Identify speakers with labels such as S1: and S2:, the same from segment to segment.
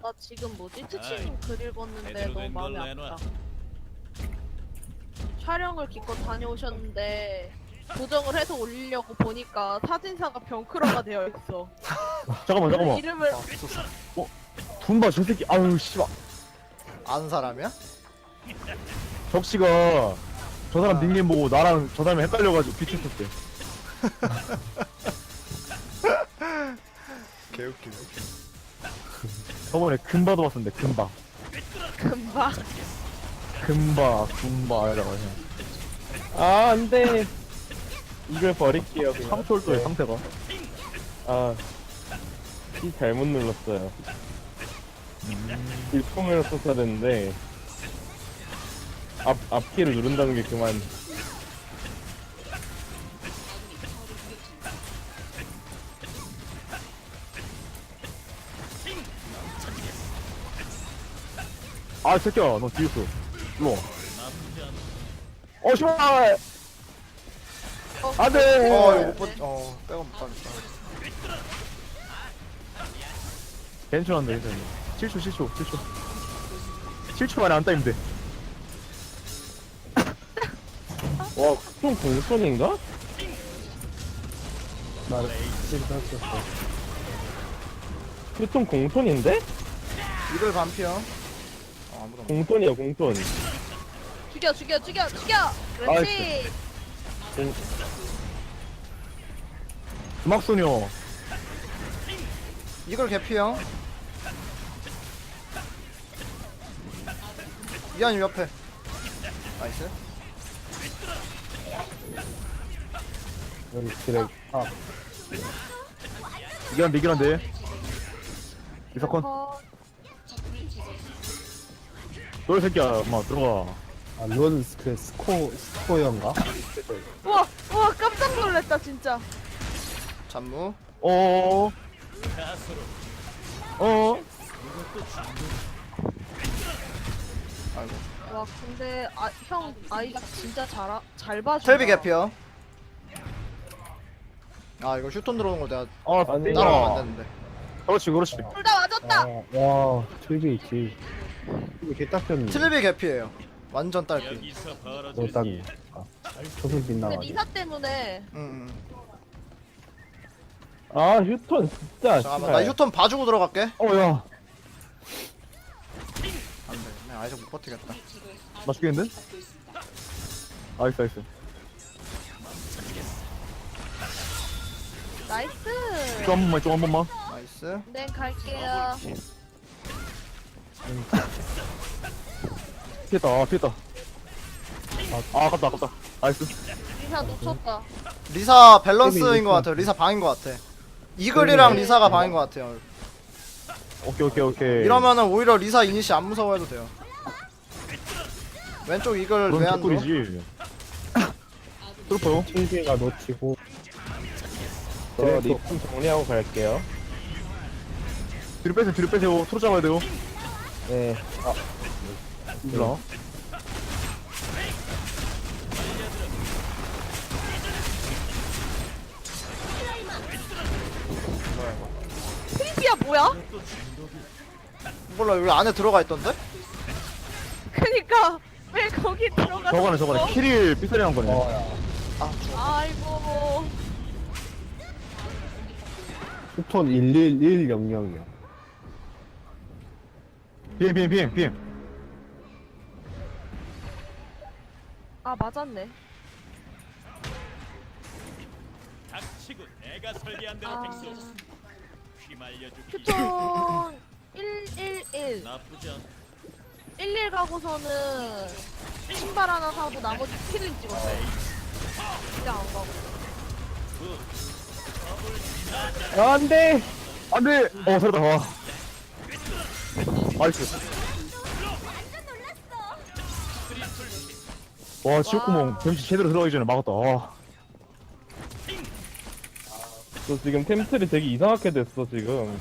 S1: 나 지금 뭐지? 트치님 글 읽었는데 너무 마음이 아프다. 촬영을 기껏 다녀오셨는데 고정을 해서 올리려고 보니까 사진사가 병크러가 되어 있어.
S2: 잠깐만.
S1: 이름을
S2: 둠바 저 새끼. 아유 씨발.
S3: 아는 사람이야?
S2: 적씨가 저 사람 닉네임 보고 나랑 저 사람이 헷갈려가지고 비추었대.
S3: 개웃기네.
S2: 저번에 금바도 봤었는데 금바.
S1: 금방.
S2: 금바 이라고 하냐.
S4: 아, 안 돼. 이걸 버릴게요, 그냥.
S2: 상철도의
S4: 네.
S2: 상태가.
S4: 아, 키 잘못 눌렀어요. 일통을 썼어야 됐는데, 앞키를 누른다는 게 그만.
S2: 아 새끼야 너 뒤였어. 일로 와. 씨발. 안돼.
S3: 이거 못 빼고 못 가겠다.
S2: 괜찮은데 괜찮아. 7초 7초 만에 안 따이면 돼.
S4: 와, 좀 공손인가?
S2: 나 실수 했었어.
S4: 좀 공손인데?
S3: 이걸 반피야. 아무도 없네.
S4: 공손이야, 공손.
S1: 죽여. 그렇지.
S2: 음악소녀.
S3: 이걸 개피야. 이한이 옆에. 나이스.
S4: 여기 그래. 아,
S2: 이긴한데. 이사건. 너 새끼야 엄마 들어가.
S5: 아, 론 그 스코어인가?
S1: 우와 깜짝 놀랐다 진짜.
S3: 잠무.
S2: 어.
S3: 아이고.
S1: 와 근데 형 아이가 진짜 잘 봐준다.
S3: 텔비 개피야. 아 이거 슈톤 들어오는 거 내가
S2: 안 돼.
S3: 따라가면 안 되는데.
S2: 그렇지.
S1: 둘 다 맞았다.
S5: 와, 틀비 있지. 이거 개딱졌네.
S3: 틸비 개피예요. 완전 딸피.
S5: 너 딱이. 조금
S1: 근데
S5: 빗나가지.
S1: 리사 때문에
S3: 응.
S4: 아, 휴톤 진짜.
S3: 잠깐만 나 휴톤 봐주고 들어갈게.
S2: 야.
S3: 안돼. 내가 아이작 못 버티겠다.
S2: 나 죽겠는데? 나이스.
S1: 나이스.
S2: 좀 한 번만.
S3: 나이스.
S1: 네 갈게요.
S2: 피했다. 아깝다. 나이스.
S1: 리사 놓쳤다.
S3: 리사 밸런스인 것 같아요. 리사 방인 것 같아. 이글이랑 리사가 방인 것 같아요.
S2: 오케이.
S3: 이러면은 오히려 리사 이니시 안 무서워해도 돼요. 왼쪽 이글
S2: 그럼
S3: 왜안 줘?
S2: 개꿀이지. 트루퍼요?
S5: 틀비가 놓치고.
S4: 저 리폼 정리하고 갈게요.
S2: 뒤로 빼세요. 트루 잡아야 돼요.
S4: 네.
S2: 일로.
S1: 트리비야 뭐야?
S3: 몰라 여기 안에 들어가 있던데?
S1: 그니까 왜 거기 들어가?
S2: 저거네. 키릴 삐싸리한 거네.
S3: 아
S1: 아이고.
S5: 휴톤 11100이야.
S2: BM.
S1: 아 맞았네.
S6: 닥치고 내가 설계한 대로
S1: 아.
S6: 백수 휘말려주기
S1: 휴톤 111.
S6: 나쁘지 않
S1: 11 가고서는 신발 하나 사고 나머지 키를 찍었어. 그냥 안 가고.
S4: 안 돼!
S2: 살았다. 나이스. 와, 지옥구멍 뱀치 제대로 들어가기 전에 막았다.
S4: 저 지금 템플이 되게 이상하게 됐어, 지금.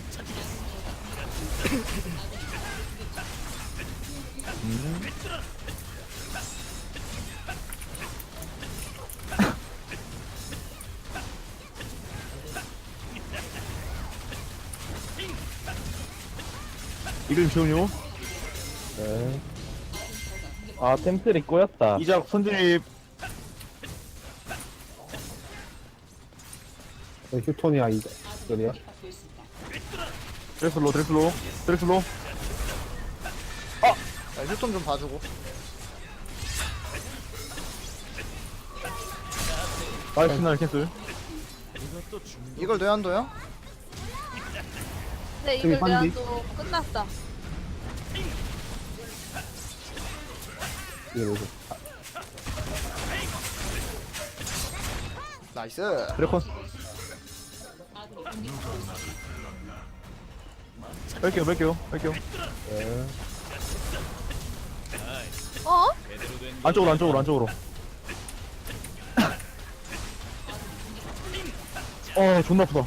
S2: 이글 지원요.
S4: 네. 아 템플이 꼬였다.
S2: 이작 선진입.
S5: 휴톤이야 이거야.
S2: 드레슬로 드레슬로 드레슬로.
S3: 자, 휴톤 좀 봐주고.
S2: 나이스 날 캔슬.
S3: 이걸 뇌한도요?
S1: 네, 이걸 내가
S5: 반디.
S1: 또 끝났다.
S5: 이거 뭐지?
S3: 나이스.
S2: 드래콘. 뺄게요 뺄게요 뺄게요.
S5: 네.
S1: 어?
S6: 제대로 된
S2: 안쪽으로 안쪽으로 안쪽으로. 존나 아프다.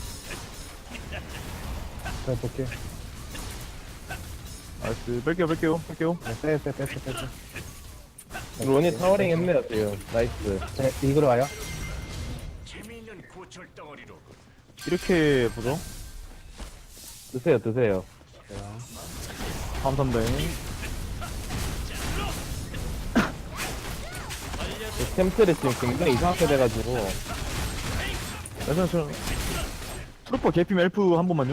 S5: 자 볼게.
S2: 나이스 뺄게요 뺄게요 뺄게요.
S5: 빼.
S4: 론이 타워링 했네요 지금. 나이스.
S5: 자 이거로 와요.
S2: 이렇게 보죠.
S4: 드세요.
S2: 다음 3대.
S4: 템플이 지금 굉장히 이상하게 돼가지고.
S2: 나이스. 트루퍼 개피면 엘프 한 번만요.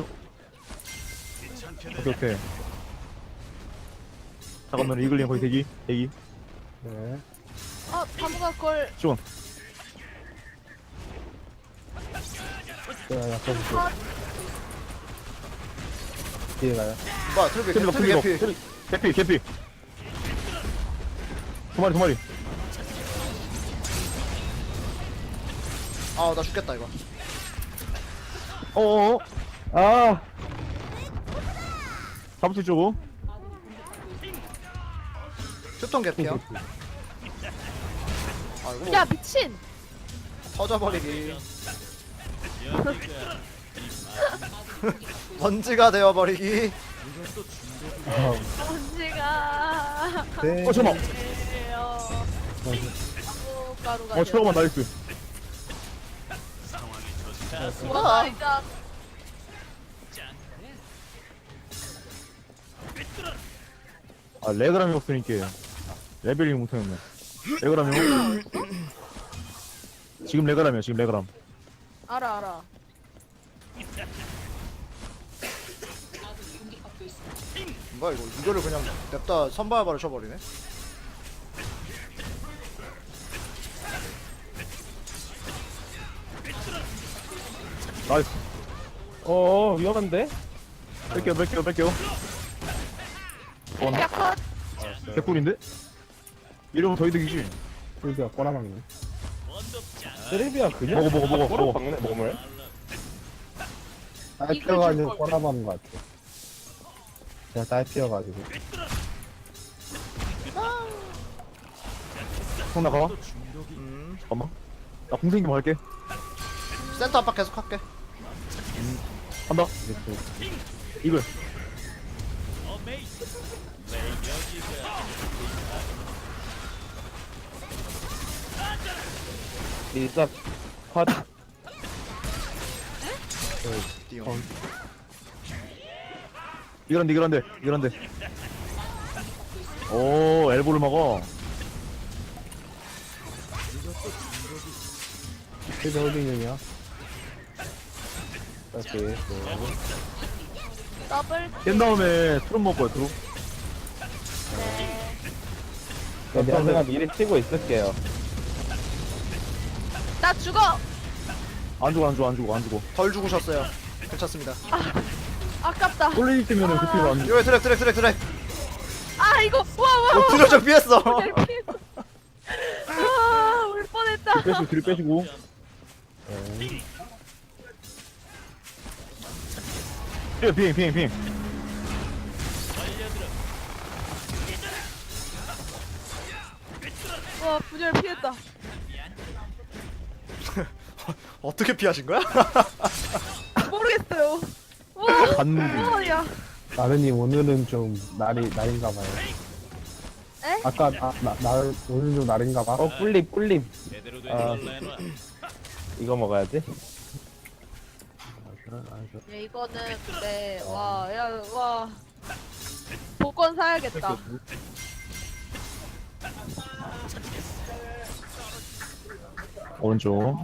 S2: 오케이. 잠깐만 이글링 거의 대기.
S5: 네.
S1: 다무가 그걸
S2: 지원.
S5: 자 약간 볼게. 뒤에 가요.
S3: 뭐야, 트루비
S2: 트리버
S3: 개피.
S2: 개피. 두 마리.
S3: 아, 나 죽겠다, 이거.
S2: 어어어.
S4: 아
S2: 잡을 수 있죠.
S3: 휴톤 개피야. 아이고,
S1: 야 미친.
S3: 터져버리기.
S6: 연기가
S3: 먼지가 되어버리기.
S1: 언제가
S5: 네.
S2: 잠깐만.
S1: 가루가
S2: 최고만 나이스.
S1: 와 진짜
S2: 레그람이 없으니까 레벨이 못하겠네. 레그람이요? 지금 레그람이야 지금 레그람.
S1: 알아.
S3: 뭐야, 이거를 그냥 냅다 선발바를 쳐버리네.
S2: 나이스.
S4: 위험한데?
S2: 뺄게요.
S1: 야 컷.
S2: 개꿀인데? 이러면 더 이득이지.
S5: 풀비가 꼬라박네.
S4: 쓰레비야 그냥
S2: 먹어.
S4: 꼬라 박네 몸을.
S5: 딸피어가지고 꼬라박는 것 같아. 제가 딸피어가지고.
S2: 손 나가.
S3: 음,
S2: 잠깐만. 나 공생기만 할게.
S3: 센터 압박 계속 할게.
S2: 한다. 이글.
S4: 리사 컷.
S3: 띠용.
S2: 이글한데. 오 엘보를 막아.
S5: 풀비 홀딩이야. 오케이.
S1: 더블.
S2: 깬 다음에 트롯 먹을 거야 트롯.
S4: 제가 미리 치고 있을게요.
S1: 나 죽어.
S2: 안 죽어.
S3: 덜 죽으셨어요. 괜찮습니다.
S1: 아깝다.
S2: 꼴레이 때면은 그 피가 안 죽어.
S3: 이거 드랙.
S1: 아 이거 와.
S3: 부녀적 피했어.
S1: 울 뻔했다.
S2: 뒤를 빼시고. 비행.
S1: 와 분열 피했다.
S3: 어떻게 피하신 거야?
S1: 모르겠어요. 와.
S2: 갔는데.
S1: 야.
S5: 나른님 오늘은 좀 날인가 봐요.
S1: 에?
S5: 아까 오늘 좀 날인가 봐.
S4: 꿀립.
S6: 제대로 된
S4: 아.
S6: 걸 내놔.
S4: 이거 먹어야지.
S1: 야 이거는 근데 와. 사야겠다.
S2: 오른쪽.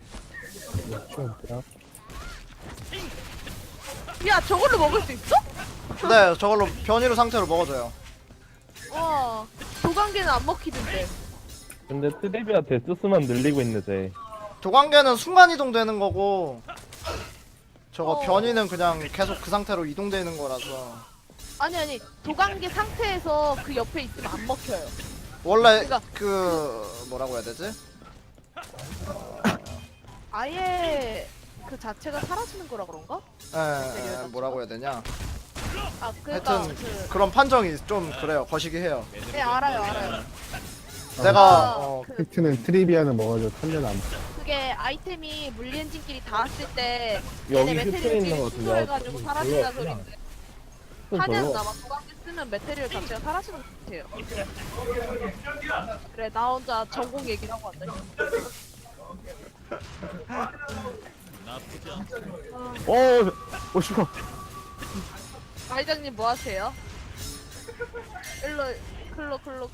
S1: 야 저걸로 먹을 수 있어?
S3: 네, 저걸로 변이로 상태로 먹어줘요.
S1: 와 도관계는 안 먹히던데.
S4: 근데 트리비아 데스수만 늘리고 있는 데
S3: 도관계는 순간 이동되는 거고 저거
S1: 어.
S3: 변이는 그냥 계속 그 상태로 이동되는 거라서
S1: 아니 도관계 상태에서 그 옆에 있으면 안 먹혀요.
S3: 원래
S1: 그러니까-
S3: 그 뭐라고 해야 되지?
S1: 아예 그 자체가 사라지는 거라 그런가?
S3: 뭐라고 해야 되냐?
S1: 아 그러니까
S3: 하여튼
S1: 그
S3: 그런 판정이 좀 그래요. 거시기 해요.
S1: 네 알아요.
S3: 내가
S1: 그
S5: 팩트는 트리비아는 먹어줘 턴전 안
S1: 그게 아이템이 물리 엔진끼리 닿았을 때
S4: 여기
S1: 얘네
S4: 슈트
S1: 메테리얼
S4: 있는 거
S1: 끼리
S4: 같은데.
S1: 해가지고 사라진다
S4: 별로 없구나.
S1: 소리인데
S4: 좀
S1: 하냐는
S4: 별로.
S1: 아마 도관계 쓰면 메테리얼 자체가 사라지는 것 같아요. 그래 나 혼자 전공 얘기를 하고 왔다.
S6: 나쁘지 않다.
S2: 씨발.
S1: 과회장님 뭐 하세요? 일로 클로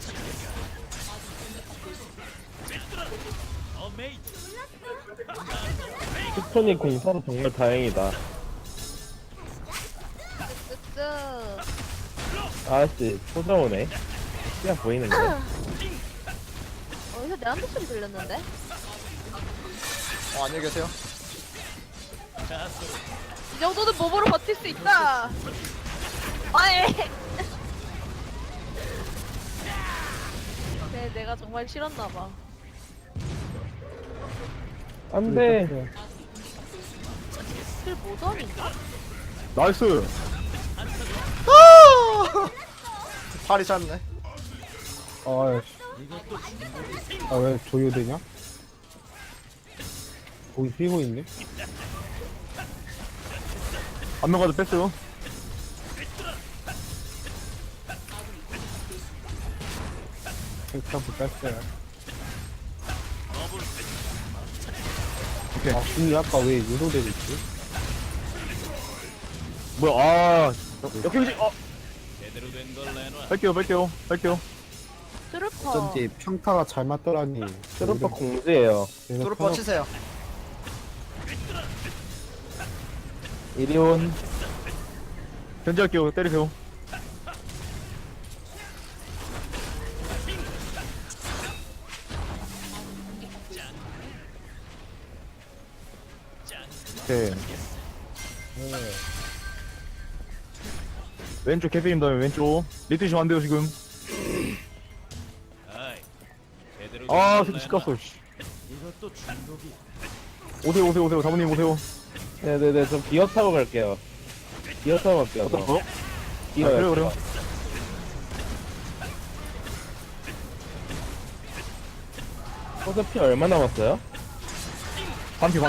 S6: 어메이징.
S4: 슈톤이 공사로 정말 다행이다.
S1: 쓱쓱
S4: 아씨 소정오네. 그냥 보이는데.
S1: 어디서 내 한대 소리 들렸는데?
S3: 안녕히 계세요.
S1: 이 정도는 몸으로 버틸 수 있다. 아예. 네, 내가 정말 싫었나 봐.
S4: 안돼.
S1: 킬 모던인가?
S2: 나이스.
S3: 팔이 짧네.
S5: 아왜 조요되냐? 거기 휘고 있네?
S2: 한 명 가도 뺐어요.
S5: 팩트하고 뺐어요.
S2: 오케이.
S5: 아 근데 아까 왜 유도되고 있지?
S2: 뭐야, 역행지,
S6: 제대로 된 걸 내놔.
S2: 뺄게요.
S1: 트루퍼.
S5: 어쩐지 평타가 잘 맞더라니.
S4: 트루퍼 공지예요.
S5: 그래서
S3: 트루퍼 치세요.
S4: 이리온.
S2: 견제할게요. 때리세요. 오케이. 왼쪽 캐피님 다음에 왼쪽. 리트시면 안 돼요, 지금.
S6: 아이, 제대로 된
S2: 아,
S6: 걸
S2: 새끼
S6: 내놔.
S2: 시끄럽어, 씨.
S6: 이것도 중독이.
S2: 오세요. 사모님 오세요.
S4: 네네네 저 기어 타고 갈게요. 기어 타고 갈게요.
S2: 어떤
S4: 저.
S2: 거?
S4: 기어요.
S2: 그래요.
S4: 어차피 얼마 남았어요?
S2: 반피.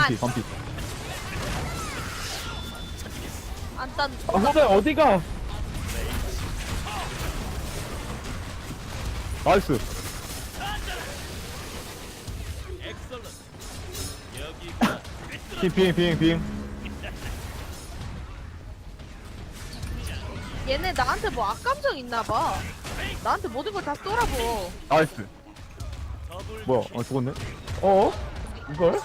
S1: 안딴.
S4: 아 호대 어디가?
S2: 나이스.
S6: 엑설런트. 여기가
S2: 비행.
S1: 얘네 나한테 뭐 악감정 있나봐. 나한테 모든 걸 다 쏘라고.
S2: 나이스.
S6: 더블.
S2: 뭐야, 죽었네.
S4: 어? 이걸?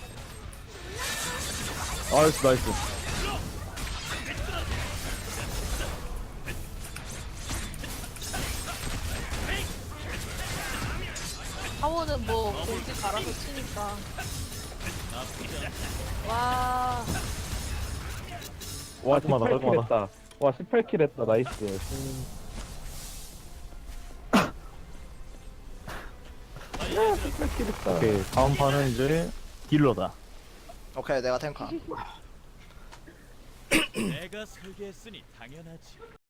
S2: 나이스.
S1: 하원은 뭐 공지 갈아서 치니까. 와.
S4: 와
S2: 깔끔하다,
S4: 18킬
S2: 깔끔하다.
S4: 했다. 와 18킬 했다. 나이스. 야 18킬 했다.
S2: 오케이, 다음 판은 이제 딜러다.
S3: 오케이, 내가 탱커.
S6: 내가 설계했으니 당연하지.